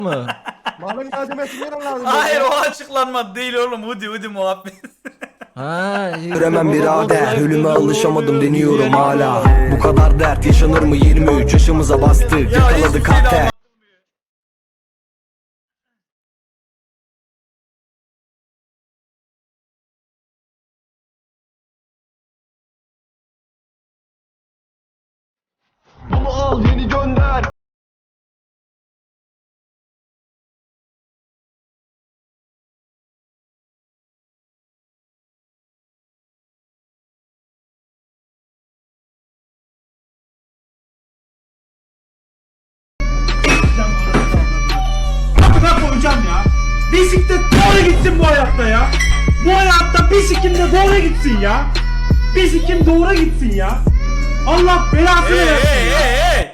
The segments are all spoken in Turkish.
mı? Malın lazımetinden lazım. Hayır o açıklanma değil oğlum. Hudi muhabbet. Ha, Göremem birader, ölüme alışamadım deniyorum hala. Bu kadar dert yaşanır mı 23 yaşımıza bastık, Ya yakaladı hiçbir şey de kalter. Bunu al yeni gönder. Amına koyacağım ya. Bisiklet doğru gitsin bu hayatta ya. Bu hayatta bisiklet de doğru gitsin ya. Bisiklet doğru gitsin ya. Allah belasını versin ya. Hey.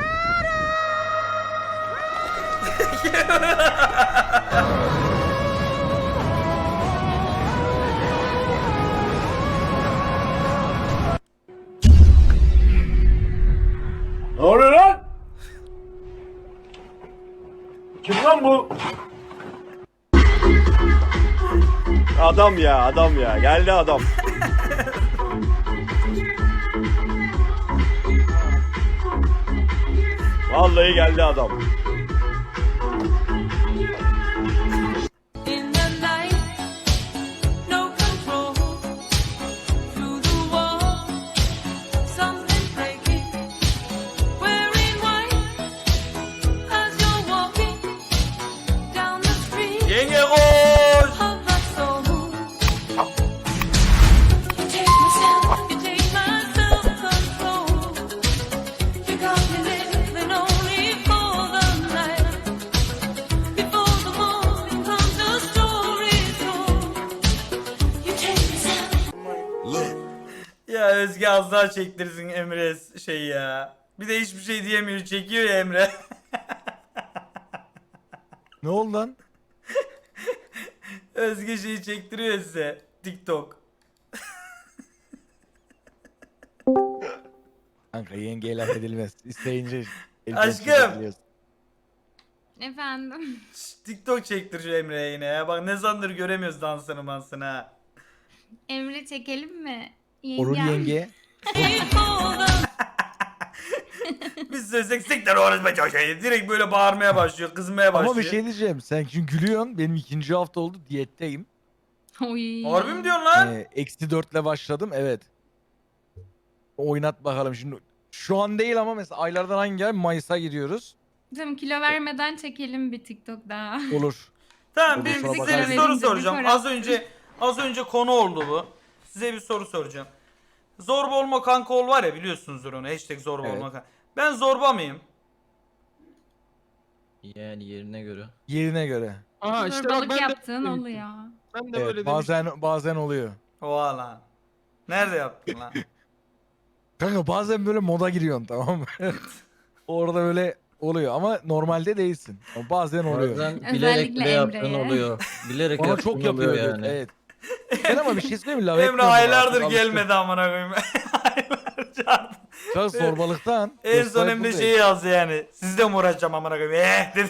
Ne oluyor lan? Kim lan bu? Adam ya geldi adam. Vallahi geldi adam. In the night, no control. Through the wall, something breaking. Wearing white as you're walking down the street Yenge koş. of my soul. You take my self-control. You got me living only for the night. Before the morning comes, the story's told. You take me Ya Özge az daha çektirsin Emre şey ya. Bir de hiçbir şey diyemiyor. Çekiyor ya Emre. Ne oldu lan? Özge şeyi çektiriyor size. TikTok. Kanka yenge laf edilmez. İsteyince Aşkım. Efendim. TikTok çektir şu Emre'ye yine ya. Bak ne zamandır göremiyoruz dansını mansını ha. Emre çekelim mi? Olur yenge. Biz söylesek siktir orası be çocuğu. Direkt böyle bağırmaya başlıyor. Kızmaya başlıyor. Ama bir şey diyeceğim. Sen çünkü gülüyorsun. Benim 2. hafta oldu. Diyetteyim. Oy. Harbi mi diyorsun lan? -4'le başladım. Evet. Oynat bakalım şimdi. Şu an değil ama mesela aylardan hangi ay? Mayıs'a giriyoruz. Tamam, kilo vermeden çekelim bir TikTok daha. Olur. Tamam Olur, bir sonra size bakarız. bir soru Verince bir soracağım. para. Az önce konu oldu bu. Size bir soru soracağım. Zorba olma kanka ol var ya, biliyorsunuzdur onu. Hashtag zorba Evet. olma kanka. Ben zorba mıyım? Yani yerine göre. Yerine göre. Aha işte bak Zorbalık ben de, yaptığın oluyor. ben de Evet, böyle demiştim. bazen oluyor. Oha lan. Nerede yaptın lan? Kanka bazen böyle moda giriyorsun, tamam mı? Orada böyle oluyor ama normalde değilsin. Ama bazen oluyor. Bazen bilerek Özellikle bile yaptığın Emre'ye. oluyor. Bilerek Bana yaptığın çok yapıyor oluyor yani. yani. Evet. Ben ama bir şey söyleyeyim mi? Laf Emre etmiyorum buna, aylardır artık gelmedi amına koyayım. Aylarca artık. alıştım. Sen zorbalıktan. En son gösterip Emre buradayım. şeyi yazdı yani. Sizle mi uğraşacağım amına koyayım? Dedi.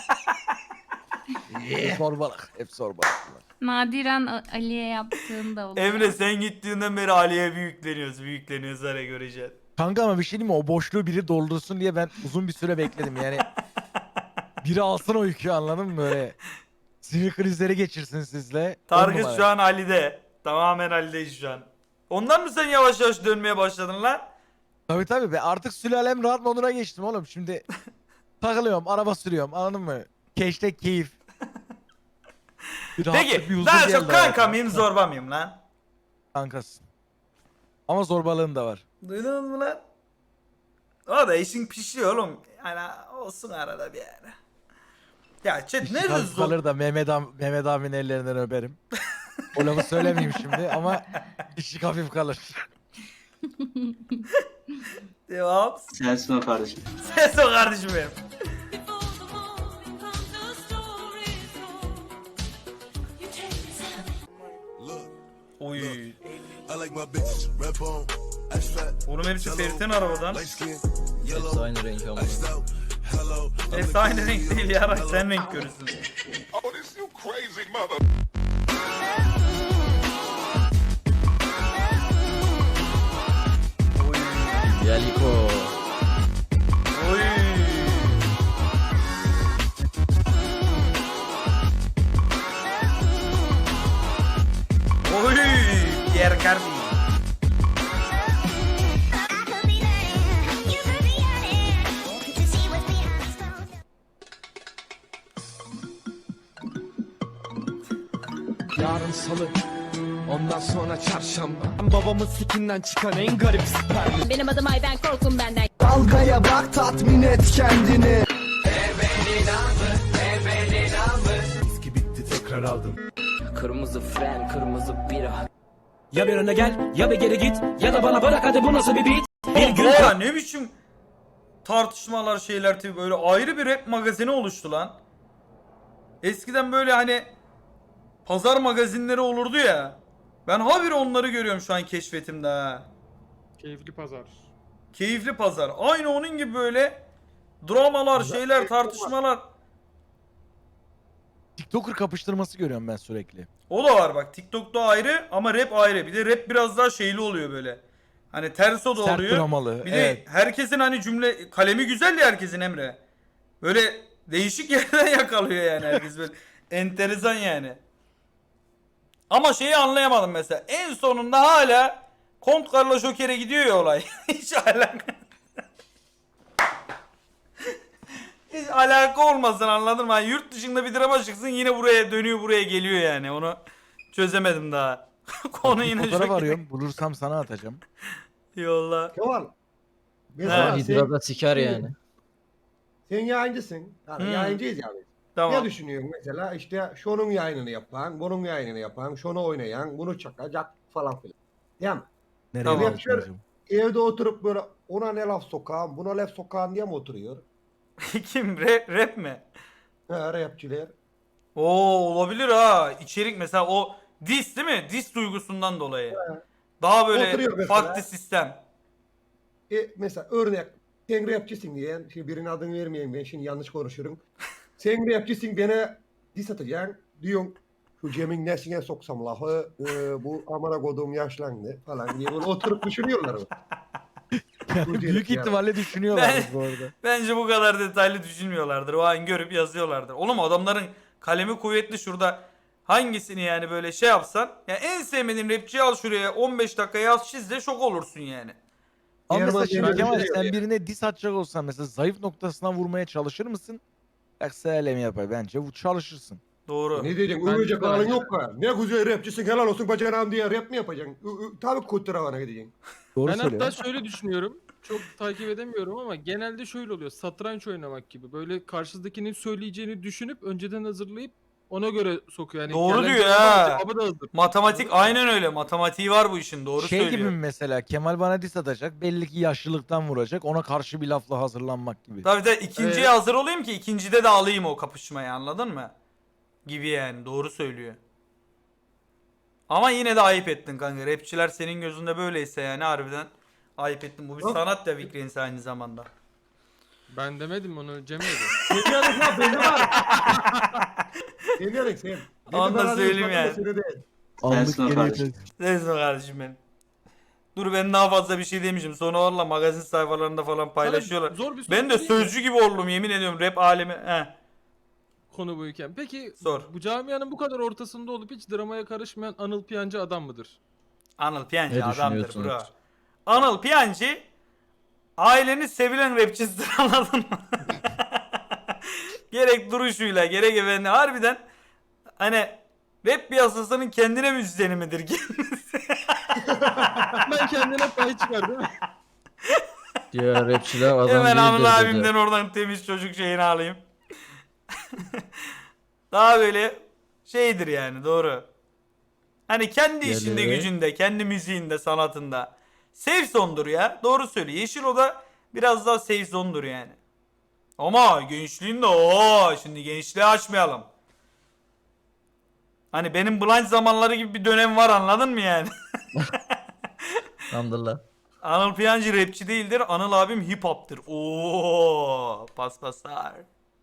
Hep zorbalık. Hep zorbalık. Nadiren Ali'ye yaptığın da oluyor. Emre sen gittiğinden beri Ali'ye büyükleniyoruz hele göreceksin. Kanka ama bir şey diyeyim mi? O boşluğu biri doldursun diye ben uzun bir süre bekledim yani. Biri alsın o yükü, anladın mı böyle? Sinir krizleri geçirsin sizle. On Target numara. şu an Ali'de. Tamamen Ali'deyiz şu an. Ondan mı sen yavaş yavaş dönmeye başladın lan? Tabii ben artık sülalem rahat moduna geçtim oğlum. Şimdi takılıyorum, araba sürüyorum, anladın mı? Keşte keyif. Bir rahatlık, bir Peki huzur daha geldi çok kanka hayatıma. mıyım zorba mıyım lan? Kankasın. Ama zorbalığın da var. Duydunuz mu lan? O da işin pişiyor oğlum. Yani olsun arada bir yere. Ya chat İşi nerede kalp zor? kalır da Mehmet abinin ellerinden öperim. O lafı söylemeyeyim şimdi ama işi hafif kalır. Devam. Sensin o kardeşim. Ses o kardeşim benim. Before the morning comes, the story's told. You take me Oy. I like my bitches red bone, ice fat, Oğlum hepsi Ferit'in arabadan. light skin, Hepsi yellow, aynı renk ama. iced out, hello, Aynı renk değil yarak, sen renk görürsün. Oh, this you crazy mother. Yaliko. Oy. Oy. Pierre Cardi. Yarın salı, ondan sonra çarşamba. Babamın sikinden çıkan en garip sperm. Benim adım Ayben, korkun benden. Dalgaya bak, tatmin et kendini. Viski bitti, tekrar aldım. Kırmızı fren, kırmızı bira. Ya bir öne gel, ya bir geri git, ya da bana bırak, hadi bu nasıl bir beat? Bir gün Ya ne biçim tartışmalar şeyler tabii, böyle ayrı bir rap magazini oluştu lan. Eskiden böyle hani pazar magazinleri olurdu ya. Ben habire onları görüyorum şu an keşfetimde ha. Keyifli pazar. Keyifli pazar. Aynı onun gibi böyle dramalar, şeyler, tartışmalar. TikToker kapıştırması görüyorum ben sürekli. O da var bak. TikTok'ta ayrı ama rap ayrı. Bir de rap biraz daha şeyli oluyor böyle. Hani terso da Sert oluyor. dramalı, Bir de herkesin hani cümle kalemi güzel ya herkesin Emre. Böyle değişik yerden yakalıyor yani herkes böyle. Enteresan yani. Ama şeyi anlayamadım mesela. En sonunda hala Kont Carlo Joker'e gidiyor ya olay. Hiç alaka. Hiç alaka olmasın, anladın mı? Yani yurt dışında bir drama çıksın yine buraya dönüyor, buraya geliyor yani. Onu çözemedim daha. Konu yine Fotoğraf Joker. arıyorum. Bulursam sana atacağım. Yolla. Kemal. Mesela Hidrada siker yani. sen yayıncısın. Yani yayıncıyız yani. Ne Tamam. düşünüyorsun mesela? İşte şunun yayınını yapan, bunun yayınını yapan, şunu oynayan, bunu çakacak falan filan. Değil mi? Nereye Tamam. bağlayacağım? Evde oturup böyle ona ne laf sokağım, buna laf sokağım diye mi oturuyor? Kim? Rap mi? Ha, rapçiler. Oo, olabilir ha. İçerik mesela o diss değil mi? Diss duygusundan dolayı. Daha böyle Oturuyor mesela. farklı sistem. Mesela örnek, sen rapçisin diyen, şimdi birinin adını vermeyeyim, ben şimdi yanlış konuşurum. Sen rapçisin, bana diss atacaksın, diyorsun şu Cem'in nesine soksam lafı, bu amına koduğum yaşlandı falan diye böyle oturup düşünüyorlar. Bu Büyük yani. ihtimalle düşünüyorlar Ben- bu arada. Bence bu kadar detaylı düşünmüyorlardır. O an görüp yazıyorlardır. Oğlum adamların kalemi kuvvetli şurada. Hangisini yani böyle şey yapsan. Ya en sevmediğin rapçiyi al şuraya 15 dakika yaz çiz de şok olursun yani. Ama Diğer mesela şimdi malzemeler Kemal şey sen ya. birine diss atacak olsan mesela zayıf noktasına vurmaya çalışır mısın? Yoksa öyle mi yapar? Bence bu çalışırsın. Doğru. Ne diyeceksin? Ben- Övecek halin ben- yok ha. Ne güzel rapçisin, helal olsun bacanağım diye rap mi yapacaksın? Tabii kutravana gideceksin. Doğru Ben hatta söylüyorsun. şöyle düşünüyorum. Çok takip edemiyorum ama genelde şöyle oluyor. Satranç oynamak gibi. Böyle karşıdakinin söyleyeceğini düşünüp önceden hazırlayıp ona göre sokuyor. Yani Doğru gelen diyor cevabı ha. da- cevabı da hazır. Matematik aynen öyle. Matematiği var bu işin. Doğru Şey gibi söylüyor. mi mesela Kemal bana diss atacak belli ki yaşlılıktan vuracak ona karşı bir lafla hazırlanmak gibi. Tabii de ikinciye hazır olayım ki ikincide de alayım o kapışmayı, anladın mı? Gibi yani, doğru söylüyor. Ama yine de ayıp ettin kanka. Rapçiler senin gözünde böyleyse yani harbiden ayıp ettin. Bu bir Yok. sanat da Vikrens aynı zamanda. Ben demedim onu, Cem dedi. Demiyorum ya, belli var. Demiyorum sen. Onu da söyleyeyim yani. Anlık geriye Neyse kardeşim benim. Dur ben daha fazla bir şey demişim. Sonra valla magazin sayfalarında falan paylaşıyorlar. Sana zor bir soru Ben de sorayım mı? sözcü gibi oldum yemin ediyorum rap alemi. Konu buyken. Peki Sor. bu camianın bu kadar ortasında olup hiç dramaya karışmayan Anıl Piyancı adam mıdır? Anıl Piyancı Ne adamdır düşünüyorsunuz? bro. Anıl Piyancı ailenin sevilen rapçisidir, anladın mı? Gerek duruşuyla gerek efendi harbiden hani rap piyasasının kendine müzisyeni midir kendisi? Ben kendine pay çıkar değil mi? Diğer rapçiler adam Hemen Anıl değildir dedi. abimden oradan temiz çocuk şeyini alayım. Daha böyle şeydir yani, doğru. Hani kendi işinde Geliyor. gücünde, kendi müziğinde, sanatında. Safe zone'dur ya. Doğru söylüyor. Yeşil Oda biraz daha safe zone'dur yani. Ama gençliğinde şimdi gençliği açmayalım. Hani benim blind zamanları gibi bir dönem var, anladın mı yani? Alhamdulillah. Anıl Piyancı rapçi değildir. Anıl abim hip hop'tır. Oo, paspaslar.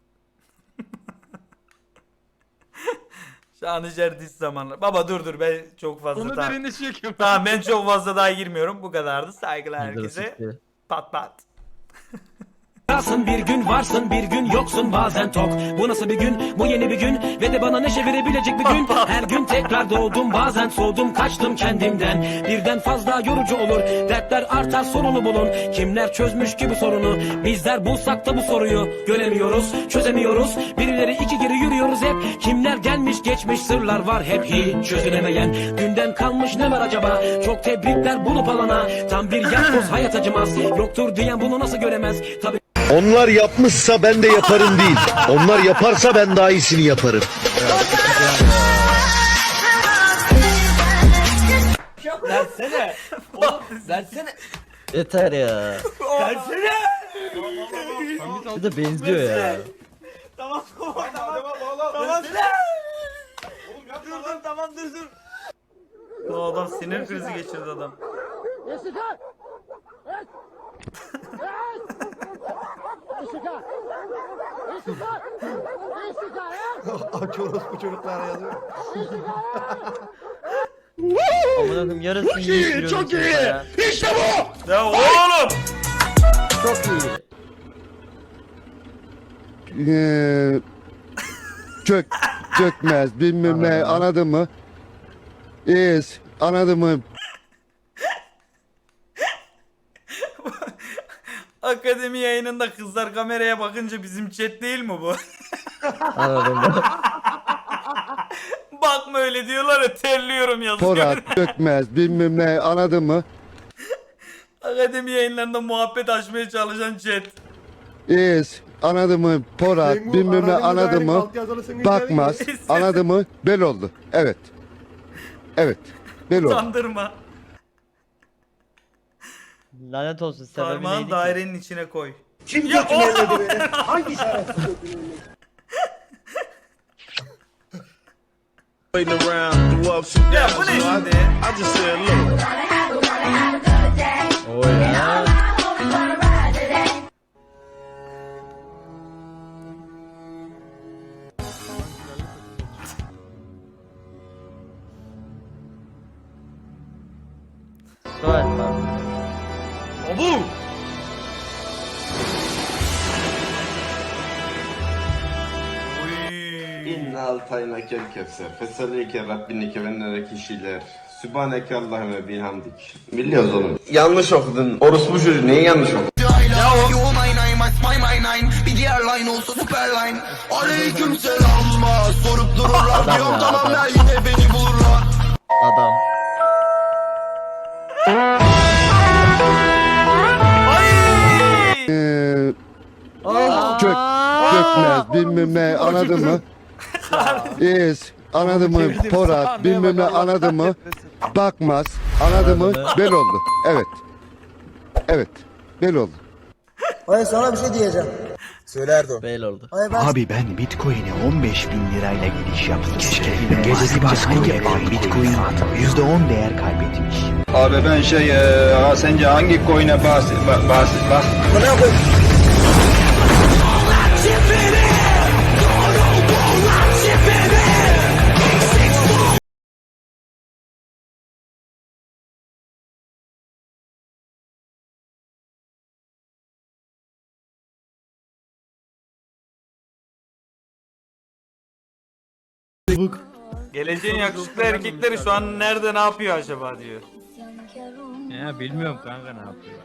Şanışer diz zamanlar. Baba dur ben çok fazla Onu tamam. derinleşiyor ki. Tamam ben çok fazla daha girmiyorum. Bu kadardı. Saygılar herkese. Siktir. Pat pat. Varsın bir gün varsın bir gün yoksun bazen tok. Bu nasıl bir gün bu yeni bir gün ve de bana neşe verebilecek bir gün. Her gün tekrar doğdum bazen soğudum kaçtım kendimden. Birden fazla yorucu olur dertler artar sorunu bulun. Kimler çözmüş ki bu sorunu bizler bulsak da bu soruyu göremiyoruz çözemiyoruz. Birileri iki geri yürüyoruz hep. Kimler gelmiş geçmiş sırlar var hep hiç çözülemeyen. Dünden kalmış ne var acaba çok tebrikler bulup alana. Tam bir yapboz hayat acımaz yoktur diyen bunu nasıl göremez. Tabii Onlar yapmışsa ben de yaparım değil. Onlar yaparsa ben daha iyisini yaparım. versene. Oğlum versene. Yeter ya. Versene. Bir de benziyor ya. Bu adam sinir krizi geçirdi adam. Aç orospu çocuklara yazıyor. Aman akım yarısını yiyip Çok iyi. ya. İşte bu. Ya oğlum. Çok iyi. Çökmez bilmem ne anladın mı? İyiyiz anladın mı? Akademi yayınında kızlar kameraya bakınca bizim chat değil mi bu? Anladım ben. Bakma öyle diyorlar ya terliyorum yazıyor. Porat çökmez bilmem ne anladın mı? Akademi yayınlarında muhabbet açmaya çalışan chat. İyiyiz anladın mı? Porat Cengo, bilmem ne aradığın anladın müdahale mı? alt yazılısını Bakmaz izleyin. anladın mı? Bel oldu. Evet. Evet. Bel oldu. Utandırma. Lanet olsun Parmağın dairenin içine koy. Kim Ya götünü elledi beni? Hangi şerefsiz götünü elledi? Ya bu ne şimdi? O ya. Galiba. Abu! Uy. İnna altayna kel kevser. Fesalike Rabbinike ve nereki kişiler. Sübhaneke Allahümme bihamdik. Biliyoruz oğlum. Yanlış okudun. Orospu çocuğu neyi yanlış okudun? Adam. Çökmez bilmem ne anladın mı? İyiyiz anladın mı? Porat bilmem ne anladın mı? Bakmaz anladın mı? Bel oldu. Evet. Evet. Bel oldu. Hayır sana bir şey diyeceğim. Söyle Erdo. Beyl oldu. Hayır ben... Abi ben Bitcoin'e 15.000 lirayla giriş yaptım. Gecesi hangi Bitcoin %10 değer kaybetmiş. Abi ben sence hangi coin'e bas. Bana koy. Geleceğin yakışıklı erkekleri şu an nerede ne yapıyor acaba diyor. Ya bilmiyorum kanka ne yapıyor.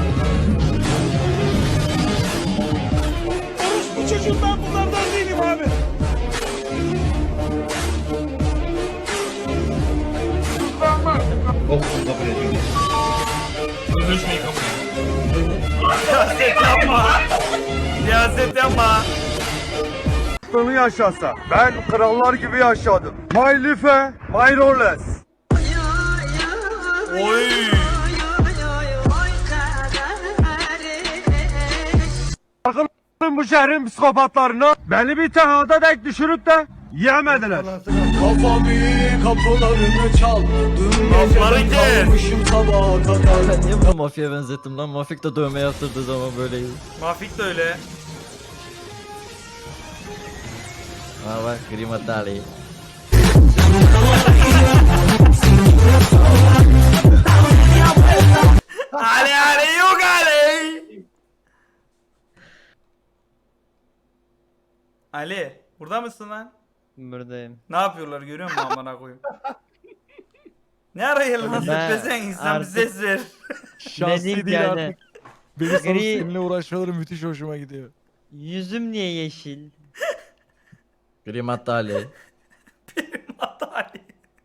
Bu çocuğum ben bunlardan değilim abi. Siyaset yapma. Siyaset yapma. Bunu yaşasa ben krallar gibi yaşadım. My life, my roles. Oy. Bu şehrin psikopatlarına beni bir tehada dek düşürüp de yemediler. Kafamı kapılarını çal. Lafları kes. Ben niye bunu mafyaya benzettim lan? Mafik de dövme yaptırdığı zaman böyleydi. Mafik de öyle. Ha bak Grima Dali. Ali Ali yok Ali. Ali burada mısın lan? Buradayım. Ne yapıyorlar görüyor musun amına koyayım? Ne arayın lan Ben sen insan bir artık- ses ver. Şahsi Dedim değil yani. artık. Beni sanıp Gri- seninle uğraşmaları müthiş hoşuma gidiyor. Yüzüm niye yeşil? Grima Dali. Ali.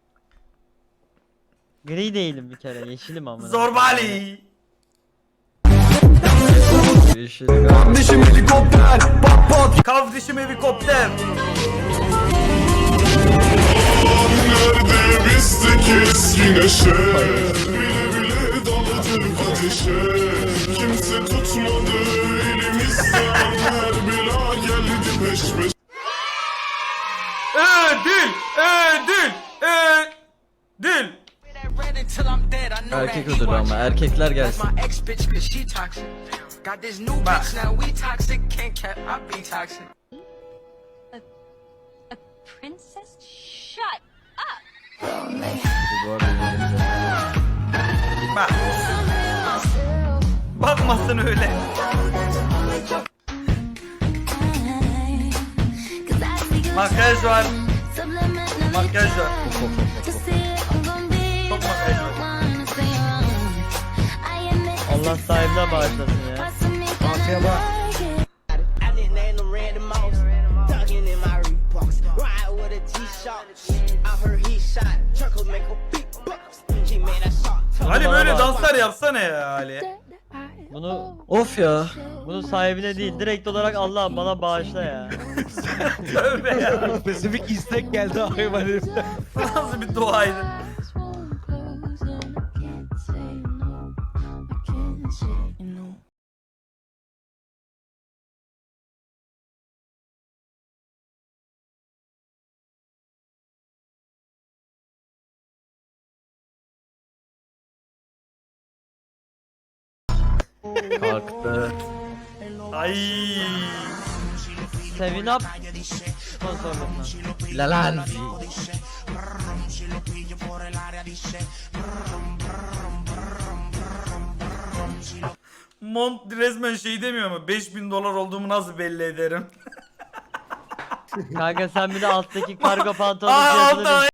Gri değilim bir kere, yeşilim ama. Zorba Ali. Yeşil. Kardeşim helikopter. Ödül, ödül, ödül. Erkek ödülü ama erkekler gelsin. Bak. Princess, shut Bu arada Bak. Bakmasın öyle. Makyaj var. Makyaj var. Çok makyaj var. Allah sahibine bağışlasın ya. Ali böyle danslar yapsana ya Ali. Bunu of ya. Bunu sahibine değil, direkt olarak Allah bana bağışla ya. Tövbe ya. Spesifik istek geldi hayvan heriften. Nasıl bir duaydı? Kalktı. Ay. Sevin up. Sponsorluğundan. Lalan. Mont resmen şey demiyor mu? 5000 dolar olduğumu nasıl belli ederim? Kanka sen bir de alttaki kargo pantolonu Aa fiyatını altta